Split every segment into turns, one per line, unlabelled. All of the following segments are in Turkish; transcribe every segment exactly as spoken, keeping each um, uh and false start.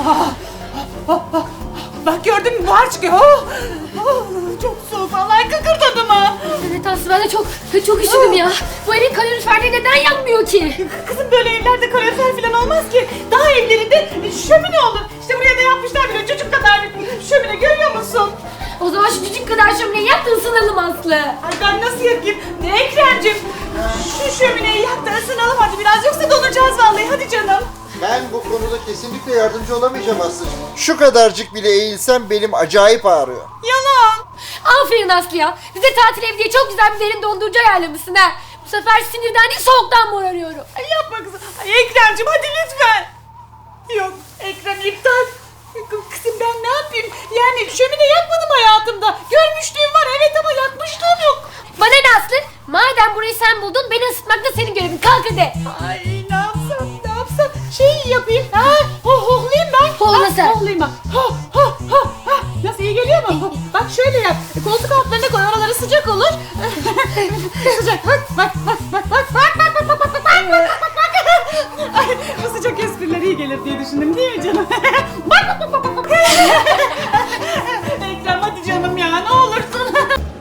Ah, ah, ah. Bak gördün mü, buhar çıkıyor. Oh, oh, çok soğuk, vallahi kıkırdadım ha.
Evet Aslı, ben de çok çok üşüdüm ya. Bu evin kaloriferleri neden yanmıyor ki?
Kızım böyle evlerde kalorifer falan olmaz ki. Daha evlerinde şömine olur. İşte buraya da yapmışlar bile çocuk kadar bir şömine, görüyor musun?
O zaman şu küçük kadar şömineyi yak da ısınalım Aslı.
Ay ben nasıl yapayım? Ne Ekrem'cim? Şu şömineyi yak da ısınalım hadi biraz, yoksa donacağız vallahi, hadi canım.
Ben bu konuda kesinlikle yardımcı olamayacağım Aslı'cığım. Şu kadarcık bile eğilsem belim acayip ağrıyor.
Yalan.
Aferin Aslı ya. Bize tatil evi diye çok güzel bir derin dondurucu ayarlamışsın ha. Bu sefer sinirden değil soğuktan morarıyorum.
Ay yapma kızım. Ay Ekrem'cim hadi lütfen. Yok Ekrem, iptal. Kızım ben ne yapayım? Yani şömine yakmadım hayatımda. Görmüşlüğüm var evet, ama yakmışlığım yok.
Bana ne Aslı? Madem burayı sen buldun, beni ısıtmak da senin görevin. Kalk hadi.
Ay ne yapsam ne yapsam. Şey yapayım. Ha, ho hohlayayım ben.
Hohla
Ha,
sen.
Hohlayayım ben. Ho ho ho ho. Nasıl, iyi geliyor mu? Ho, bak şöyle yap. Koltuk altlarına koy, oraları sıcak olur. Sıcak. Bak bak bak bak bak bak bak bak bak bak bak bak bak bak. Ay, bu sıcak espriler iyi gelir diye düşündüm değil mi canım? Bak bak bak bak bak. Ekrem hadi canım ya, ne olursun.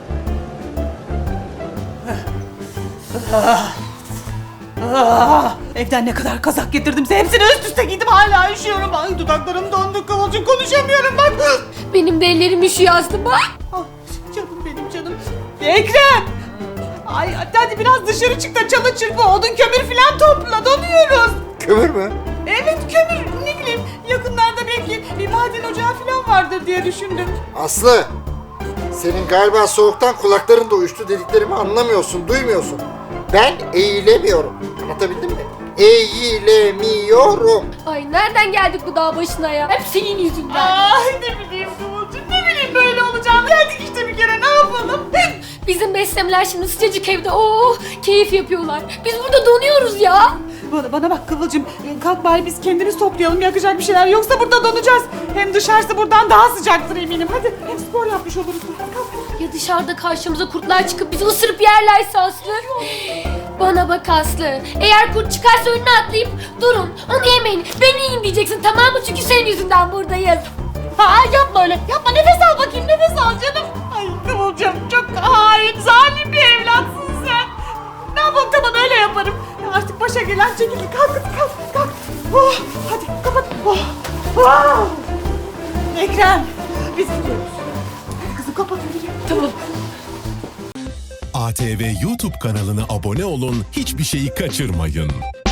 Ah, evden ne kadar kazak getirdim, hepsini üst üste giydim, hala üşüyorum. Ay dudaklarım dondu Kıvılcım, konuşamıyorum bak.
Benim de ellerim üşüyor Aslı bak.
Ah, canım benim canım. Ekrem. Ay hadi, hadi biraz dışarı çık da çalı çırpı, odun kömür filan topla, donuyoruz.
Kömür mü?
Evet kömür, ne bileyim yakınlarda belki bir maden ocağı filan vardır diye düşündüm.
Aslı! Senin galiba soğuktan kulakların da uyuştu, dediklerimi anlamıyorsun, duymuyorsun. Ben eğilemiyorum. Anlatabildim mi? Eğilemiyorum.
Ay nereden geldik bu dağ başına ya? Hep senin yüzünden.
Ay ne bileyim Kıvılcım, ne bileyim böyle olacağını. Geldik işte bir kere, ne yapalım?
Bizim beslemeler şimdi sıcacık evde oh keyif yapıyorlar. Biz burada donuyoruz ya.
Bana, bana bak Kıvılcım, kalk bari biz kendimiz toplayalım yakacak bir şeyler, yoksa burada donacağız. Hem dışarısı buradan daha sıcaktır eminim. Hadi hem spor yapmış oluruz. Kalk.
Ya dışarıda karşımıza kurtlar çıkıp bizi ısırıp yerlerse Aslı? Bana bak Aslı. Eğer kurt çıkarsa önüne atlayıp durun onu yemeyin. Beni yiyin diyeceksin, tamam mı? Çünkü senin yüzünden buradayız.
Ha yapma öyle. Yapma, nefes al bakayım, nefes al canım. Ay Kıvılcım çok hain, zalim bir evlatsın sen. Ne yapalım, tamam öyle yaparım. Artık başa gelen çekilir. Kalk kalk kalk. Oh, hadi kapat. Oh. Oh. Ekrem biz gidiyoruz. Kızım kapat yürü.
Tamam.
A T V YouTube kanalına abone olun, hiçbir şeyi kaçırmayın.